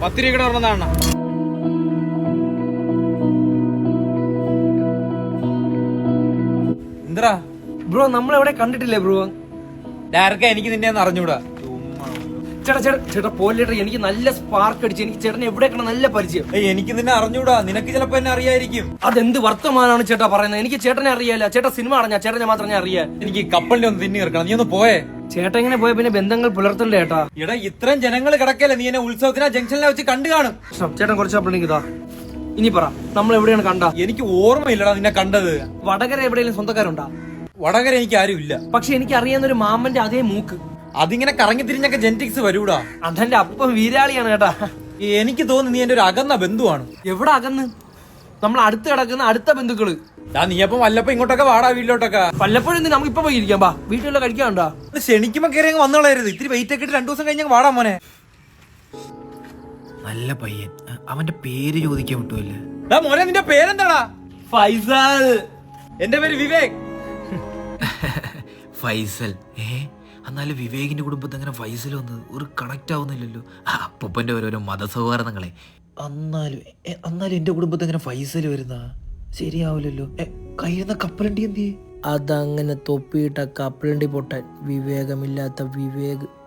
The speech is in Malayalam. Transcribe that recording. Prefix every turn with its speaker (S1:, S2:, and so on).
S1: 10 രൂപ കൂടെ പറഞ്ഞതാണ്. എന്താ
S2: ബ്രോ നമ്മളെവിടെ കണ്ടിട്ടില്ലേ ബ്രോ?
S1: ഡയറക്റ്റ് എനിക്ക് നിന്നെ ഒന്ന് അറിഞ്ഞൂടാ.
S2: ചേട്ടാ ചേട്ടാ ചേട്ടാ പോലേട്ടാ, എനിക്ക് നല്ല സ്പാർക്ക് അടിച്ചു. എനിക്ക് ചേട്ടനെ എവിടെയൊക്കെ നല്ല പരിചയം.
S1: എനിക്ക് നിന്നെ അറിഞ്ഞൂടാ, നിനക്ക് ചിലപ്പോ എന്നെ അറിയായിരിക്കും.
S2: അതെന്ത് വർത്തമാനാണ് ചേട്ടാ പറയുന്നത്? എനിക്ക് ചേട്ടനെ അറിയാല. ചേട്ടാ സിനിമ അറിഞ്ഞാ ചേട്ടനെ മാത്രം ഞാൻ അറിയാം.
S1: എനിക്ക് കപ്പലിനെ ഒന്ന് തിന്നി ഇറക്കണം. നീ ഒന്ന് പോയേ.
S2: ചേട്ടാ ഇങ്ങനെ പോയ പിന്നെ ബന്ധങ്ങൾ പുലർത്തണ്ടേ ചേട്ടാ?
S1: എടാ ഇത്രയും ജനങ്ങൾ കിടക്കല്ലേ, നീ എന്നെ ഉത്സവത്തിനാ ജംഗ്ഷനിലെ വെച്ച് കണ്ടു കാണും.
S2: ചേട്ടൻ കുറച്ച് അപ്പഴേക്ക് ഇതാ. ഇനി പറ, നമ്മൾ എവിടെയാണ് കണ്ട?
S1: എനിക്ക് ഓർമ്മയില്ലടാ നിന്നെ കണ്ടത്.
S2: വടകര എവിടെയെങ്കിലും സ്വന്തക്കാരുണ്ടാ?
S1: വടകര എനിക്ക് ആരും ഇല്ല.
S2: പക്ഷെ എനിക്ക് അറിയാവുന്ന ഒരു മാമന്റെ അതേ മൂക്ക്.
S1: അതിങ്ങനെ കറങ്ങി തിരിഞ്ഞൊക്കെ ജെനറ്റിക്സ് വരൂടാ.
S2: അതെന്റെ അപ്പം വീരാളിയാണ് ചേട്ടാ.
S1: എനിക്ക് തോന്നുന്നു നീ എന്റെ ഒരു അകന്ന ബന്ധുവാണ്.
S2: എവിടെ അകന്ന്? നമ്മൾ അടുത്ത് കിടക്കുന്ന അടുത്ത ബന്ധുക്കള്.
S1: നീ അപ്പം വല്ലപ്പോ ഇങ്ങോട്ടൊക്കെ വാടാ വീട്ടിലോട്ടൊക്കെ.
S2: വല്ലപ്പോഴും നമുക്ക് ഇപ്പൊ പോയി ഇരിക്കാം. ബാ വീട്ടിലുള്ള കഴിക്കാനുണ്ടാ?
S1: ക്ഷണിക്കുമ്പോ കയറി അങ്ങ് വന്നോളായിരുന്നു. ഇത്തിരി വെയിറ്റ് ഒക്കെ ഇട്ട് 2 ദിവസം കഴിഞ്ഞ് വാടാ മോനെ.
S3: നല്ല പയ്യൻ. അവന്റെ പേര് ചോദിക്കാൻ വിട്ടുമല്ലേ?
S1: മോനെ നിന്റെ പേരെന്താടാ?
S2: ഫൈസൽ.
S1: എന്റെ പേര് വിവേക്.
S3: ഫൈസൽ. എന്നാലും വിവേകിന്റെ കുടുംബത്തിൽ അങ്ങനെ ഫൈസൽ വന്നത് ഒരു കണക്ട് ആവുന്നില്ലല്ലോ. അപ്പൂപ്പന്റെ ഓരോരോ മതസൗഹാർദ്ദങ്ങളെ. എന്നാലും എന്റെ കുടുംബത്തിൽ അങ്ങനെ ഫൈസൽ വരുന്ന ശരിയാവില്ലല്ലോ. കയ്യുന്ന കപ്പലണ്ടി എന്തിയെ?
S2: അതങ്ങനെ തൊപ്പിയിട്ട കപ്പലണ്ടി പൊട്ടാൻ വിവേകമില്ലാത്ത വിവേക്.